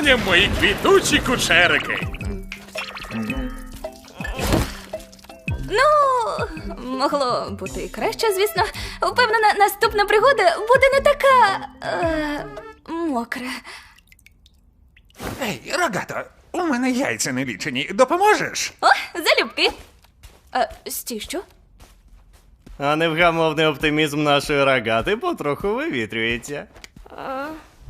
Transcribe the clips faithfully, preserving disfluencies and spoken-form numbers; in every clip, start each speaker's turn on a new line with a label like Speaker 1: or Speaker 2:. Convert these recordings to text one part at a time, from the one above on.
Speaker 1: задоволенням, мої квітучі кучерики.
Speaker 2: Ну, могло бути і краще, звісно. Впевнена, наступна пригода буде не така... Е, мокра.
Speaker 3: Ей, Рогато, у мене яйця не лічені. Допоможеш?
Speaker 2: О, залюбки. Е, стій, що?
Speaker 4: А невгамовний оптимізм нашої Рогати потроху вивітрюється.
Speaker 2: Е...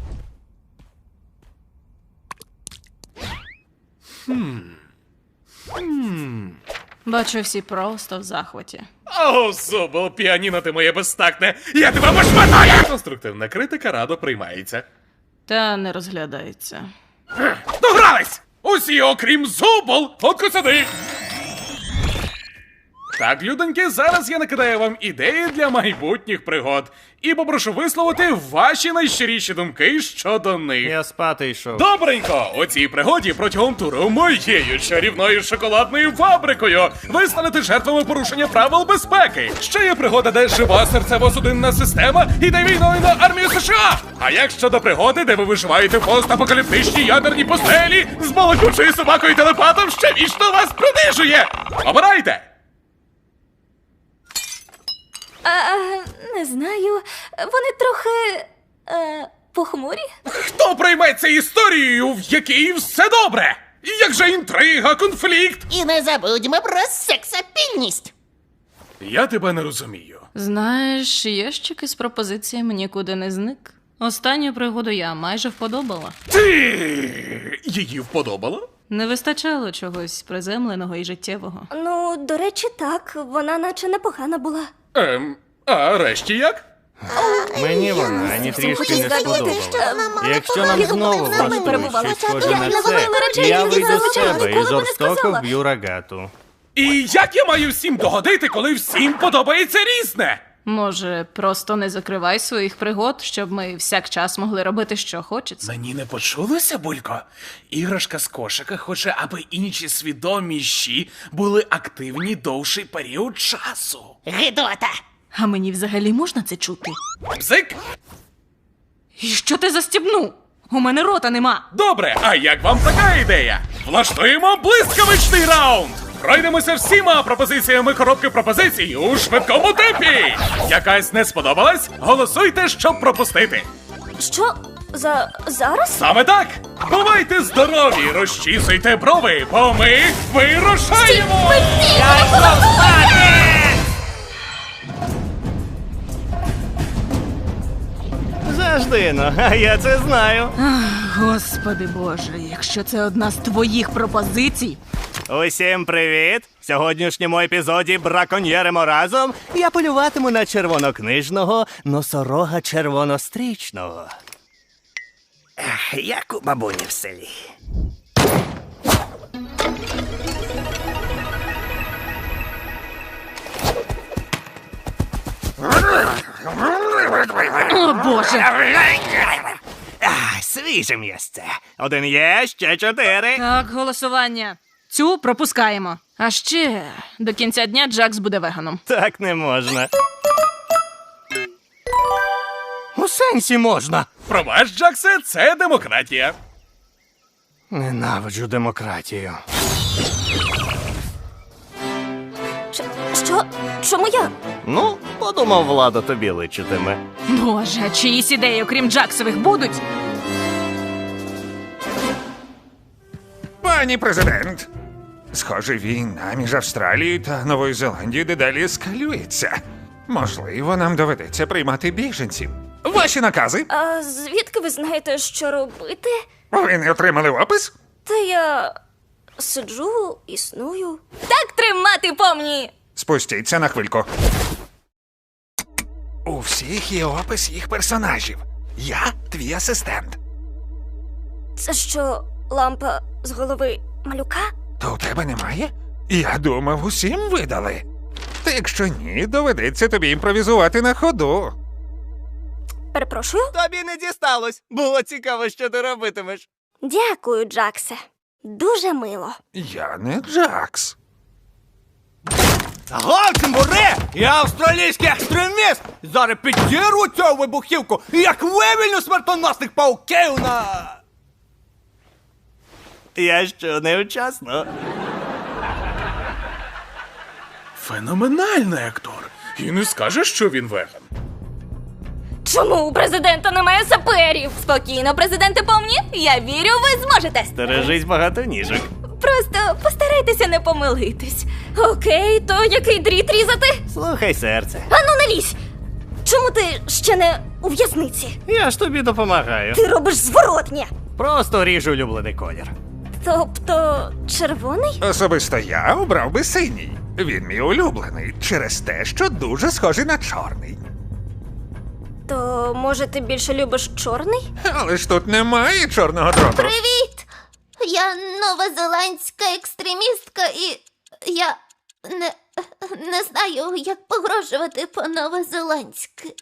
Speaker 1: Хм. Хм.
Speaker 5: Бачу, всі просто в захваті.
Speaker 1: О, Зубл, піаніно ти моє безтактне! Я тебе пошматаю! Конструктивна критика радо приймається.
Speaker 5: Та не розглядається.
Speaker 1: Догрались! Усі, окрім Зубл, от сюди! Так, людоньки, зараз я накидаю вам ідеї для майбутніх пригод. І попрошу висловити ваші найщиріші думки щодо них.
Speaker 4: Я спати йшов.
Speaker 1: Добренько! У цій пригоді протягом туру моєю чарівною шоколадною фабрикою ви станете жертвами порушення правил безпеки. Ще є пригода, де жива серцево-судинна система іде війною на армію США. А як щодо пригоди, де ви виживаєте в постапокаліптичній ядерній постелі з балакучою собакою телепатом, що вічно вас принижує? Обирайте!
Speaker 2: А, не знаю. Вони трохи... Е, похмурі?
Speaker 1: Хто прийметься історією, в якій все добре? Як же інтрига, конфлікт?
Speaker 6: І не забудьмо про сексапільність.
Speaker 1: Я тебе не розумію.
Speaker 5: Знаєш, ящик із пропозиціями нікуди не зник. Останню пригоду я майже вподобала.
Speaker 1: Ти її вподобала?
Speaker 5: Не вистачало чогось приземленого і життєвого.
Speaker 2: Ну, до речі, так. Вона наче непогана була.
Speaker 1: Ем, а решті як?
Speaker 4: Мені вона ані трішки не сподобалась. Якщо нам знову влаштують щось схоже на це, я вийду з себе і жорстоко вб'ю Рогату.
Speaker 1: І як я маю всім догодити, коли всім подобається різне?
Speaker 5: Може, просто не закривай своїх пригод, щоб ми всяк час могли робити, що хочеться.
Speaker 1: Мені не почулося, Булько? Іграшка з кошика хоче, аби інші свідоміші були активні довший період часу.
Speaker 6: Гидота!
Speaker 5: А мені взагалі можна це чути?
Speaker 1: Бзик?
Speaker 5: І що ти застібнув? У мене рота нема.
Speaker 1: Добре, а як вам така ідея? Влаштуємо блискавичний раунд! Пройдемося всіма пропозиціями коробки пропозицій у швидкому темпі! Якась не сподобалась? Голосуйте, щоб пропустити!
Speaker 2: Що? За... зараз?
Speaker 1: Саме так! Бувайте здорові, розчісуйте брови, бо ми вирушаємо!
Speaker 4: Завжди, ну, а я це знаю.
Speaker 5: Господи Боже, якщо це одна з твоїх пропозицій.
Speaker 4: Усім привіт! В сьогоднішньому епізоді «Браконьєримо разом» я полюватиму на червонокнижного носорога червонострічного. Ех, як у бабуні в селі.
Speaker 5: О, Боже!
Speaker 4: А, свіже місце. Один є, ще чотири.
Speaker 5: Так, голосування. Цю пропускаємо. А ще до кінця дня Джакс буде веганом.
Speaker 4: Так не можна. У сенсі можна.
Speaker 1: Пробач, Джаксе, це демократія.
Speaker 4: Ненавиджу демократію.
Speaker 2: Що? що? Чому я?
Speaker 4: Ну, подумав, влада тобі личитиме.
Speaker 5: Боже, а чиїсь ідеї, окрім Джаксових, будуть?
Speaker 3: Пані президент, схоже, війна між Австралією та Новою Зеландією дедалі ескалюється. Можливо, нам доведеться приймати біженців. Ваші накази?
Speaker 2: А звідки ви знаєте, що робити?
Speaker 3: Ви не отримали опис?
Speaker 2: Та я... сиджу, існую. Так тримати, помні!
Speaker 3: Спустіться на хвильку. У всіх є опис їх персонажів. Я твій асистент.
Speaker 2: Це що, лампа з голови малюка?
Speaker 3: То у тебе немає? Я думав, усім видали. Та якщо ні, доведеться тобі імпровізувати на ходу.
Speaker 2: Перепрошую?
Speaker 4: Тобі не дісталось. Було цікаво, що ти робитимеш.
Speaker 2: Дякую, Джаксе. Дуже мило.
Speaker 3: Я не Джакс.
Speaker 4: Гальцембуре! Я австралійський екстреміст! Зараз підірву цю вибухівку, як вивільню смертоносних пауків на... Я що, невчасно?
Speaker 1: Феноменальний актор. І не скажеш, що він веган.
Speaker 2: Чому у президента немає саперів? Спокійно, президенте помні. Я вірю, ви зможете.
Speaker 4: Стережись багато ніжок.
Speaker 2: Просто постарайтеся не помилитись. Окей, то який дріт різати?
Speaker 4: Слухай, серце.
Speaker 2: Ану, не лізь! Чому ти ще не у в'язниці?
Speaker 4: Я ж тобі допомагаю.
Speaker 2: Ти робиш зворотнє.
Speaker 4: Просто ріжу улюблений колір.
Speaker 2: Тобто, червоний?
Speaker 3: Особисто я обрав би синій. Він мій улюблений через те, що дуже схожий на чорний.
Speaker 2: То, може, ти більше любиш чорний?
Speaker 3: Але ж тут немає чорного дроту.
Speaker 6: Привіт! Я новозеландська екстремістка і я не, не знаю, як погрожувати по-новозеландськи.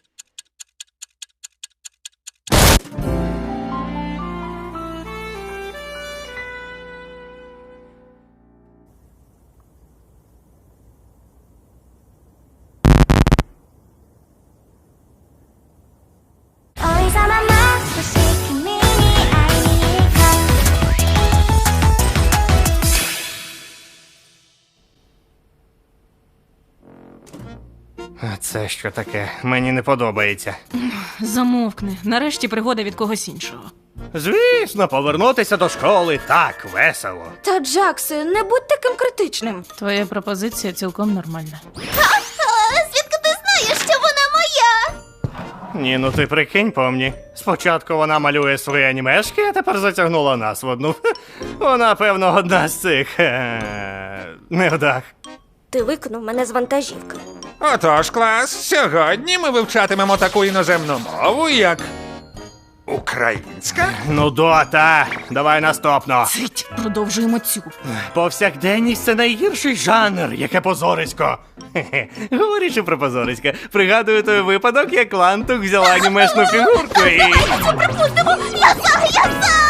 Speaker 4: А це що таке? Мені не подобається.
Speaker 5: Замовкни. Нарешті пригода від когось іншого.
Speaker 4: Звісно, повернутися до школи так весело.
Speaker 2: Та, Джаксе, не будь таким критичним.
Speaker 5: Твоя пропозиція цілком нормальна.
Speaker 6: А звідки ти знаєш, що вона моя?
Speaker 4: Ні, ну ти прикинь, помні. Спочатку вона малює свої анімешки, а тепер затягнула нас в одну. Вона, певно, одна з цих е, невдах.
Speaker 2: Ти викинув мене з вантажівки.
Speaker 3: Отож, клас, сьогодні ми вивчатимемо таку іноземну мову, як українська.
Speaker 4: Ну, дота, давай наступно.
Speaker 5: Цить, продовжуємо цю.
Speaker 4: Повсякденність – це найгірший жанр, яке позорисько. Хе-хе. Говорячи про позорисько, пригадую той випадок, як Лантух взяла анімешну фігурку і...
Speaker 6: Я за, я за!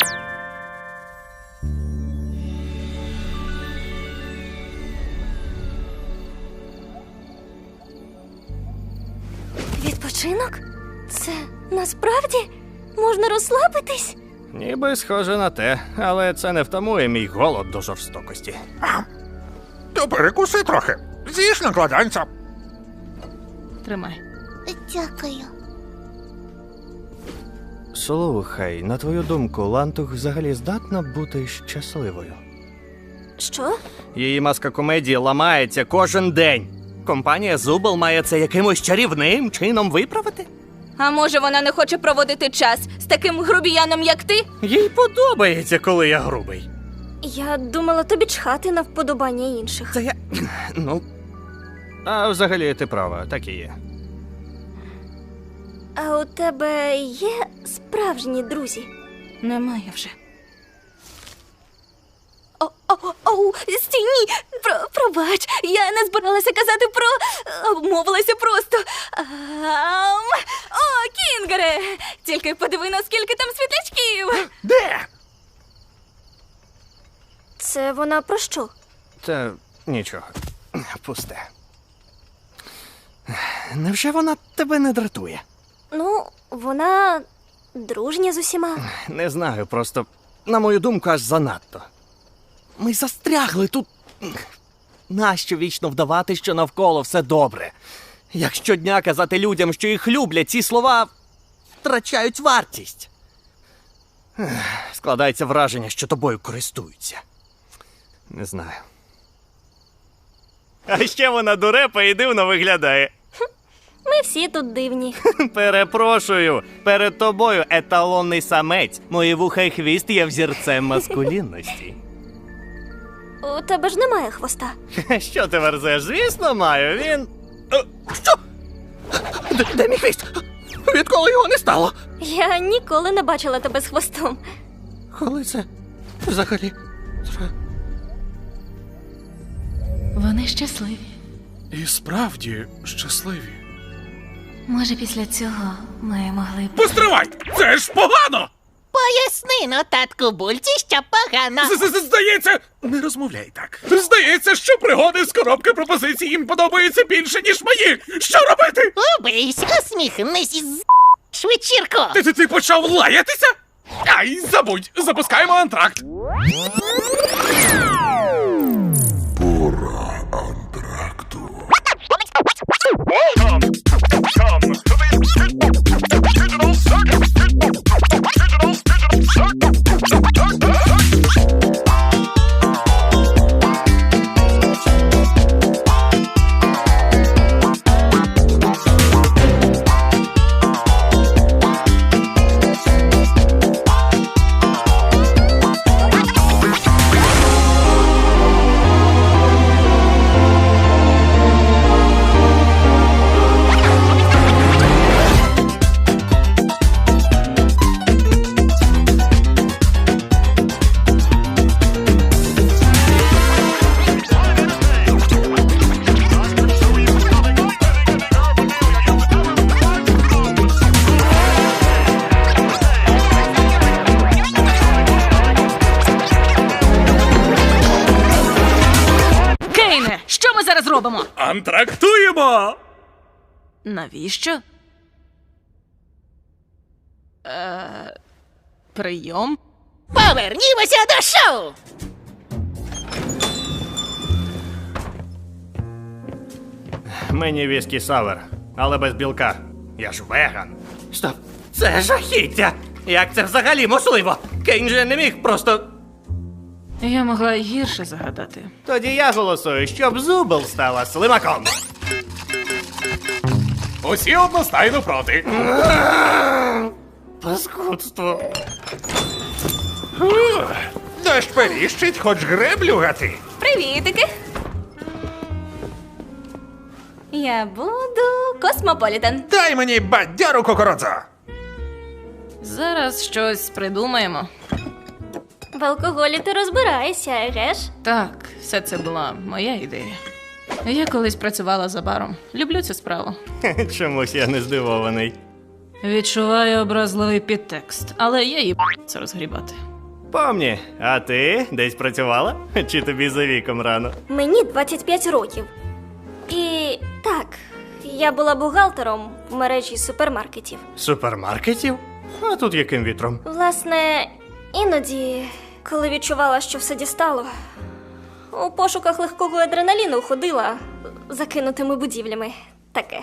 Speaker 2: Відпочинок? Це насправді можна розслабитись?
Speaker 4: Ніби схоже на те, але це не втамує мій голод до жорстокості.
Speaker 3: То перекуси трохи. З'їж накладанця.
Speaker 5: Тримай.
Speaker 6: Дякую.
Speaker 4: Слухай, на твою думку, Лантух взагалі здатна бути щасливою?
Speaker 2: Що?
Speaker 4: Її маска комедії ламається кожен день. Компанія Зубл має це якимось чарівним чином виправити?
Speaker 2: А може вона не хоче проводити час з таким грубіяном, як ти?
Speaker 4: Їй подобається, коли я грубий.
Speaker 2: Я думала тобі чхати на вподобання інших.
Speaker 4: Це я. Ну. А взагалі ти права, так і є.
Speaker 2: А у тебе є справжні друзі?
Speaker 5: Немає вже.
Speaker 2: О, о, о, стій, ні! Про, пробач, я не збиралася казати про... обмовилася просто. Ам... О, Кінгере! Тільки подиви, наскільки там світлячків!
Speaker 3: Де?
Speaker 2: Це вона про що?
Speaker 4: Та нічого. Пусте. Невже вона тебе не дратує?
Speaker 2: Ну, вона дружня з усіма.
Speaker 4: Не знаю, просто, на мою думку, аж занадто. Ми застрягли тут. Нащо вічно вдавати, що навколо все добре? Як щодня казати людям, що їх люблять, ці слова втрачають вартість. Ех, Складається враження, що тобою користуються. Не знаю. А ще вона дурепа і дивно виглядає.
Speaker 2: Ми всі тут дивні.
Speaker 4: Перепрошую, перед тобою еталонний самець. Мої вуха і хвіст є взірцем маскулінності.
Speaker 2: У тебе ж немає хвоста.
Speaker 4: Що ти верзеш? Звісно, маю. Він. Е, Що? Де, де мій хвіст? Відколи його не стало?
Speaker 2: Я ніколи не бачила тебе з хвостом.
Speaker 4: Коли це взагалі?
Speaker 5: Вони щасливі.
Speaker 1: І справді щасливі.
Speaker 5: Може, після цього ми могли б...
Speaker 1: Постривай! Це ж погано!
Speaker 6: Поясни, ну, татку Бульці, що погано.
Speaker 1: З-з-з- Здається, не розмовляй так. Здається, що пригоди з коробки пропозицій їм подобаються більше, ніж мої. Що робити?
Speaker 6: Убийся, усміхнись і з вечірку.
Speaker 1: Ти, ти, ти почав лаятися? Ай, забудь! Запускаємо антракт!
Speaker 7: Пора антракту.
Speaker 5: Кейне, що ми зараз робимо?
Speaker 1: Антрактуємо!
Speaker 5: Навіщо? Е, прийом?
Speaker 6: Повернімося до шоу!
Speaker 4: Мені віскі савер, але без білка. Я ж веган. Стоп, це жахіття! Як це взагалі можливо? Кейн же не міг просто.
Speaker 5: Я могла й гірше загадати.
Speaker 4: Тоді я голосую, щоб Зубл стала слимаком.
Speaker 1: Усі одностайно проти.
Speaker 4: Паскудство.
Speaker 3: Дощ періщить, хоч греблю гати.
Speaker 2: Привітики! Я буду Космополітен.
Speaker 3: Дай мені бадяру кокородзо.
Speaker 5: Зараз щось придумаємо.
Speaker 6: В алкоголі ти розбираєшся, еге ж?
Speaker 5: Так, все це була моя ідея. Я колись працювала за баром. Люблю цю справу.
Speaker 4: Чомусь я не здивований.
Speaker 5: Відчуваю образливий підтекст, але я її це розгрібати.
Speaker 4: Помні, а ти десь працювала? Чи тобі за віком рано?
Speaker 6: Мені двадцять п'ять років. І так, я була бухгалтером в мережі супермаркетів.
Speaker 4: Супермаркетів? А тут яким вітром?
Speaker 6: Власне, іноді, коли відчувала, що все дістало, у пошуках легкого адреналіну ходила закинутими будівлями. Таке.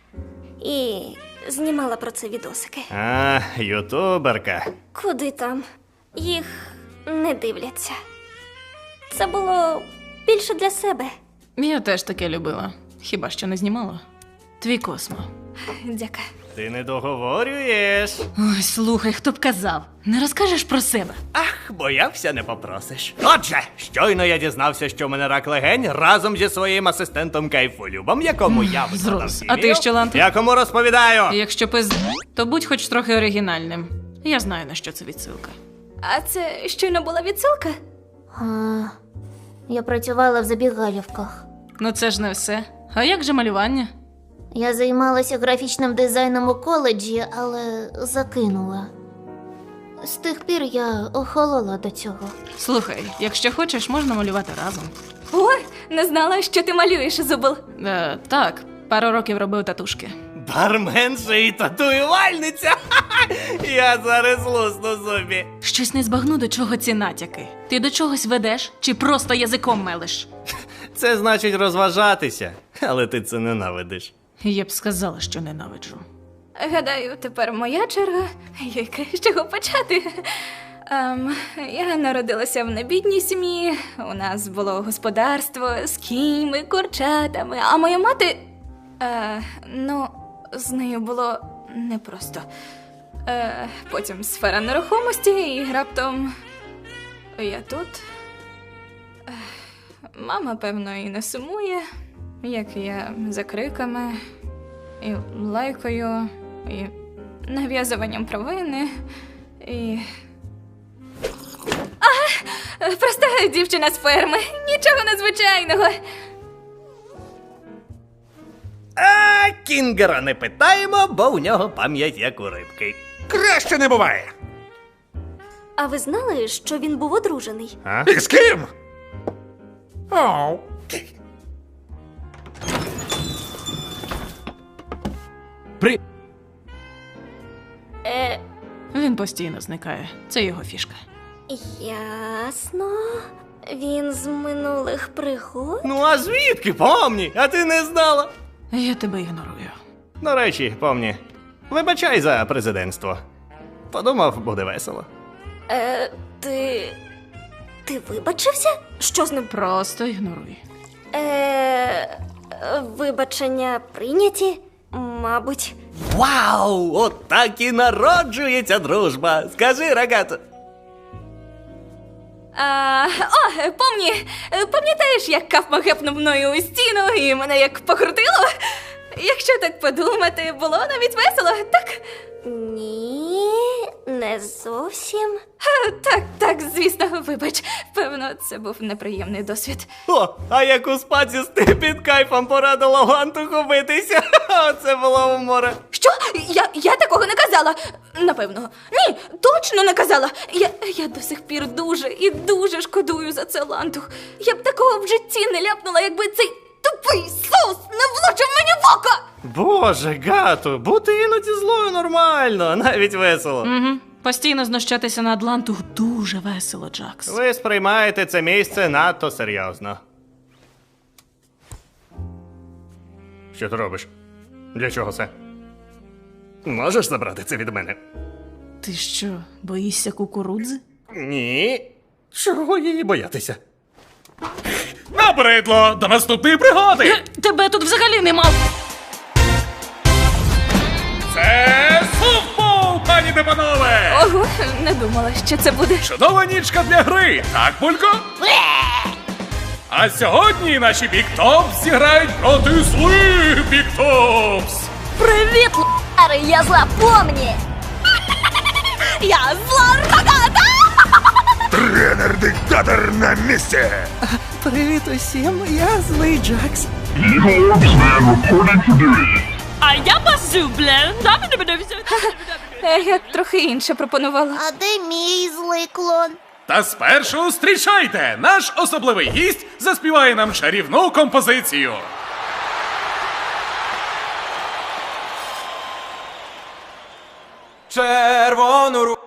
Speaker 6: І знімала про це відосики.
Speaker 4: А, ютуберка.
Speaker 6: Куди там? Їх не дивляться. Це було більше для себе.
Speaker 5: Я теж таке любила. Хіба що не знімала? Твій Космо.
Speaker 2: Дяка.
Speaker 4: Ти не договорюєш.
Speaker 5: Ой, слухай, хто б казав? Не розкажеш про себе?
Speaker 4: Ах, боявся, не попросиш. Отже, щойно я дізнався, що в мене рак легень разом зі своїм асистентом Кайфолюбом, якому я виконав
Speaker 5: Зрос. А ти що, Ланте?
Speaker 4: Якому розповідаю.
Speaker 5: Якщо пиз... то будь хоч трохи оригінальним. Я знаю, на що це відсилка.
Speaker 2: А це щойно була відсилка?
Speaker 6: А, я працювала в забігалівках.
Speaker 5: Ну це ж не все. А як же малювання?
Speaker 6: Я займалася графічним дизайном у коледжі, але закинула. З тих пір я охолола до цього.
Speaker 5: Слухай, якщо хочеш, можна малювати разом.
Speaker 2: Ой, не знала, що ти малюєш, Зубл.
Speaker 5: Е, так, пару років робив татушки.
Speaker 4: Барменша і татуювальниця. Ха-ха! Я зараз лусну зубі.
Speaker 5: Щось не збагну, до чого ці натяки. Ти до чогось ведеш чи просто язиком мелиш?
Speaker 4: Це значить розважатися, але ти це ненавидиш.
Speaker 5: Я б сказала, що ненавиджу.
Speaker 2: Гадаю, тепер моя черга. Яке з чого почати? Ем, я народилася в небідній сім'ї, у нас було господарство з кіньми, курчатами, а моя мати. Е, ну, з нею було непросто. Е, потім сфера нерухомості, і раптом я тут. Е, мама, певно, і не сумує, як я за криками, і лайкою, і нав'язуванням провини, і. А, проста дівчина з ферми, нічого надзвичайного.
Speaker 4: А Кінгера не питаємо, бо у нього пам'ять як у рибки.
Speaker 3: Краще не буває.
Speaker 6: А ви знали, що він був одружений?
Speaker 4: А?
Speaker 3: І з ким? Оу.
Speaker 4: При...
Speaker 6: Е,
Speaker 5: Він постійно зникає. Це його фішка.
Speaker 6: Ясно. Він з минулих пригод?
Speaker 4: Ну а звідки, помні? А ти не знала?
Speaker 5: Я тебе ігнорую.
Speaker 4: До речі, помні, вибачай за президентство. Подумав, буде весело.
Speaker 6: Е, ти. Ти вибачився? Що з ним?
Speaker 5: Просто ігноруй.
Speaker 6: Е, вибачення прийняті? Мабуть.
Speaker 4: Вау! От так і народжується дружба. Скажи, рогато.
Speaker 2: А, о, помні, пам'ятаєш, як Кафма гепнув мною у стіну і мене як покрутило? Якщо так подумати, було навіть весело, так?
Speaker 6: Ні, не зовсім.
Speaker 2: Ха, Так, так, звісно, вибач. Певно, це був неприємний досвід.
Speaker 4: О, а як у спаці ти під кайфом порадила Гантуху битися. Оце було у море.
Speaker 2: Що? Я, я такого не казала. Напевно. Ні, точно не казала. Я, я до сих пір дуже і дуже шкодую за це, Лантух. Я б такого в житті не ляпнула, якби цей тупий соус не влучив мені в око.
Speaker 4: Боже, Гату, бути іноді злою нормально, навіть весело.
Speaker 5: Угу. Постійно знущатися на Атланту дуже весело, Джакс.
Speaker 4: Ви сприймаєте це місце надто серйозно. Що ти робиш? Для чого це? Можеш забрати це від мене?
Speaker 5: Ти що, боїшся кукурудзи?
Speaker 4: Ні. Чого її боятися?
Speaker 1: Набридло! До наступної пригоди!
Speaker 5: Тебе тут взагалі нема.
Speaker 1: Це софтбол, пані та панове!
Speaker 2: Ого, не думала, що це буде.
Speaker 1: Чудова нічка для гри, так, Пулько? А сьогодні наші Біктопс зіграють проти злих Біктопс!
Speaker 6: Привіт, л**ари, я зла помні!
Speaker 2: Я зла рогата!
Speaker 3: Тренер-диктатор на місці!
Speaker 4: Привіт усім, я злий Джакс.
Speaker 5: А я базубле.
Speaker 2: Я трохи інше пропонувала.
Speaker 7: А де мій злий клон?
Speaker 1: Та спершу зустрічайте! Наш особливий гість заспіває нам чарівну композицію.
Speaker 8: Червону ру...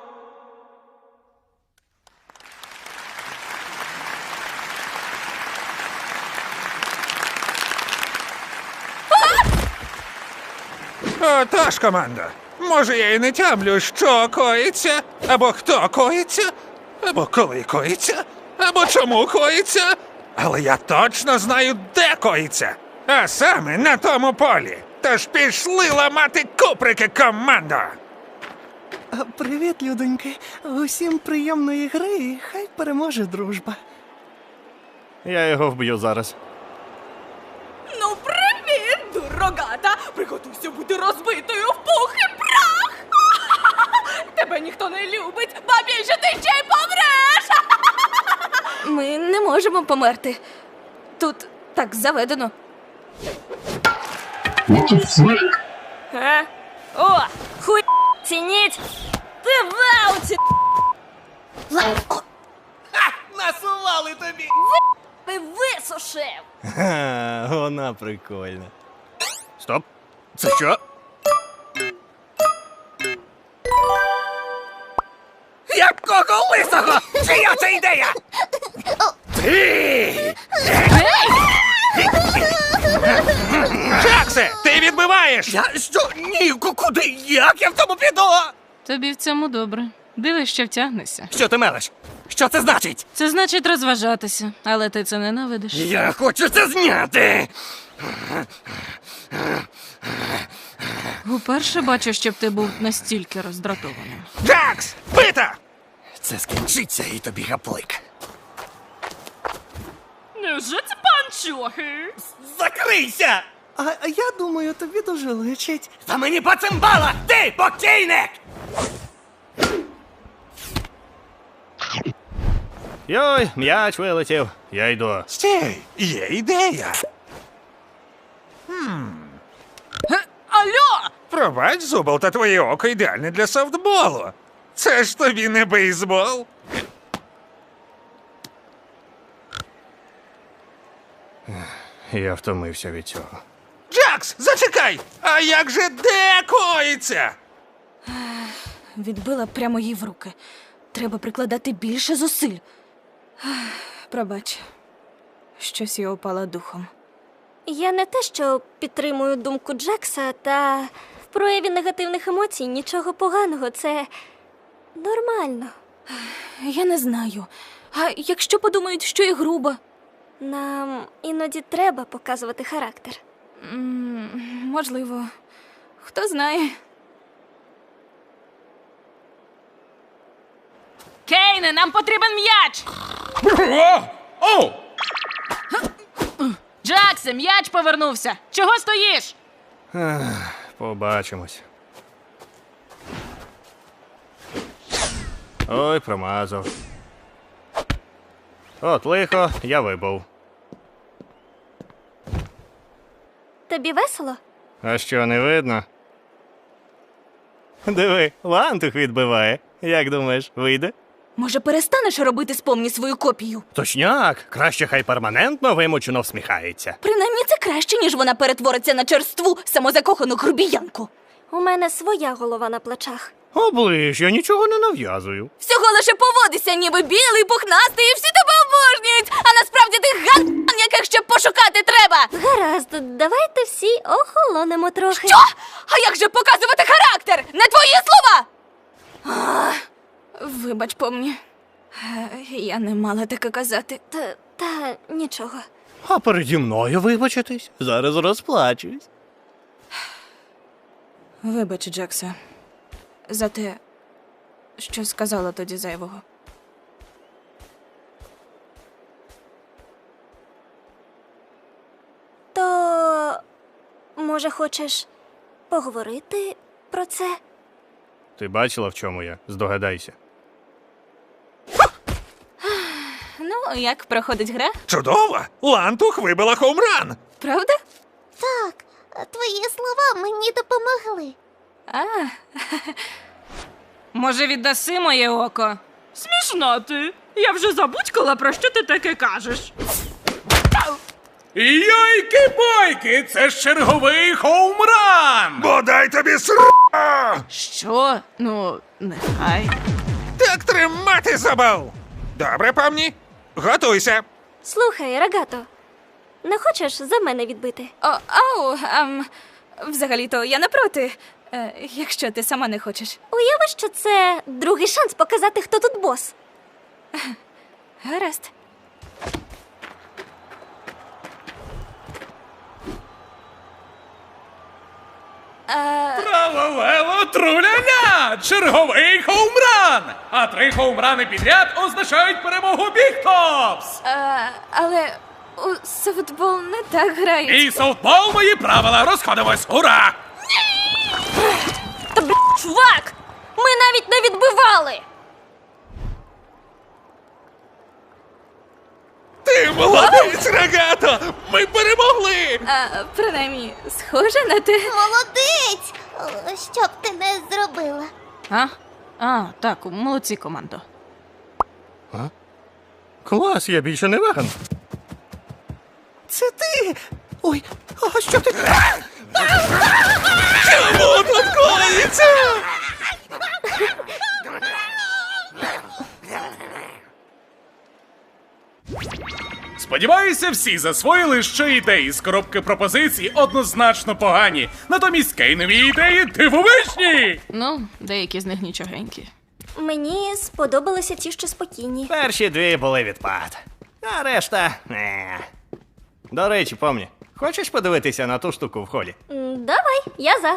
Speaker 3: Отож, команда. Може, я і не тямлю, що коїться, або хто коїться, або коли коїться, або чому коїться. Але я точно знаю, де коїться. А саме на тому полі. Тож пішли ламати куприки, командо!
Speaker 4: Привіт, людоньки. Усім приємної гри, і хай переможе дружба. Я його вб'ю зараз.
Speaker 2: Ну, привіт, дурогата! Приготуйся бути розбитою в пух і прах! Тебе ніхто не любить, ба більше ти ще й помреш! Ми не можемо померти. Тут так заведено.
Speaker 6: А? О, хуй цініть! Ти в ауті!
Speaker 4: Насували тобі!
Speaker 6: Ти висушив!
Speaker 4: Ха, вона прикольна. Стоп! Це що? Якого лисого? Чия це ідея? Ти!
Speaker 3: Джаксе, ти відбиваєш!
Speaker 4: Я що? Ні, куди? Як я в тому піду?
Speaker 5: Тобі в цьому добре. Дивись, що втягнешся.
Speaker 4: Що ти мелеш? Що це значить?
Speaker 5: Це значить розважатися, але ти це ненавидиш.
Speaker 4: Я хочу це зняти!
Speaker 5: Уперше бачу, щоб ти був настільки роздратованим.
Speaker 3: Джакс, бита!
Speaker 4: Це скінчиться і тобі гаплик.
Speaker 5: Невже це панчохи?
Speaker 4: Закрийся! А, а я думаю, тобі дуже личить. Та мені поцимбала! Ти, покійник! Йой, м'яч вилетів. Я йду.
Speaker 3: Стій, є ідея.
Speaker 5: Алло!
Speaker 3: Пробач, Зубол, та твоє око ідеальне для софтболу. Це ж тобі не бейсбол.
Speaker 4: Я втомився від цього.
Speaker 3: Джакс, зачекай! А як же де коїться?
Speaker 2: відбила прямо їй в руки. Треба прикладати більше зусиль. Пробач, щось я опала духом.
Speaker 6: Я не те, що підтримую думку Джекса, та в прояві негативних емоцій нічого поганого, це нормально.
Speaker 2: Я не знаю. А якщо подумають, що я груба?
Speaker 6: Нам іноді треба показувати характер.
Speaker 2: М, Можливо. Хто знає.
Speaker 5: Кейне, нам потрібен м'яч!
Speaker 1: О! Оу!
Speaker 5: Джаксе, м'яч повернувся! Чого стоїш?
Speaker 4: Побачимось. Ой, промазав. От лихо, я вибув.
Speaker 6: Тобі весело?
Speaker 4: А що, не видно? Диви, лантух відбиває. Як думаєш, вийде?
Speaker 2: Може, перестанеш робити з помні свою копію?
Speaker 4: Точняк, краще хай перманентно вимучено всміхається.
Speaker 2: Принаймні це краще, ніж вона перетвориться на черству, самозакохану грубіянку.
Speaker 6: У мене своя голова на плечах.
Speaker 4: Оближ, я нічого не нав'язую.
Speaker 2: Всього лише поводися, ніби білий, пухнастий, і всі тебе обожнюють. А насправді ти ган, яких ще пошукати треба.
Speaker 6: Гаразд, давайте всі охолонемо трохи.
Speaker 2: Що? А як же показувати характер? Не твої слова! А, вибач, помні. Е, Я не мала таке казати.
Speaker 6: Та, та нічого.
Speaker 4: А переді мною вибачитись? Зараз розплачусь.
Speaker 2: Вибач, Джекса, за те, що сказала тоді зайвого.
Speaker 6: То, може, хочеш поговорити про це?
Speaker 4: Ти бачила, в чому я? Здогадайся.
Speaker 2: Ну, як проходить гра?
Speaker 3: Чудово! Лантух вибила хоумран!
Speaker 2: Правда?
Speaker 7: Так, твої слова мені допомогли.
Speaker 2: А,
Speaker 5: Може, віддаси моє око? Смішно ти. Я вже забудькала, про що ти таке кажеш.
Speaker 1: Йойки-бойки! Це ж черговий хоумран!
Speaker 3: Бодай тобі ср...
Speaker 5: Що? Ну, нехай.
Speaker 3: Так тримати забав! Добре, помні? Готуйся!
Speaker 6: Слухай, Рогато, не хочеш за мене відбити?
Speaker 2: о, ау, ем, взагалі-то я не проти, е, якщо ти сама не хочеш.
Speaker 6: Уяви, що це другий шанс показати, хто тут бос.
Speaker 2: Гаразд. Е,
Speaker 1: Тралалело труляля! Черговий хоумран! А три хоумрани підряд означають перемогу Бігтопс!
Speaker 2: е, але у софтбол не так грають.
Speaker 1: І софтбол мої правила! Розходимось! Ура!
Speaker 6: Та бл**, чувак! Ми навіть не відбивали!
Speaker 3: Ти молодець, Рогато! Ми перемогли!
Speaker 2: А, принаймні, схоже на те.
Speaker 7: Молодець! О, що б ти не зробила?
Speaker 5: А? А, так, молодці, командо.
Speaker 4: Клас, я більше не веган. Це ти! Ой, а що ти?
Speaker 3: Чому тут коїться?
Speaker 1: Сподіваюся, всі засвоїли, що ідеї з коробки пропозицій однозначно погані. Натомість кейнові ідеї дивовижні!
Speaker 5: Ну, деякі з них нічогенькі.
Speaker 6: Мені сподобалися ті, що спокійні.
Speaker 4: Перші дві були відпад. А решта. Не. До речі, помні, хочеш подивитися на ту штуку в холі?
Speaker 6: М, Давай, я за.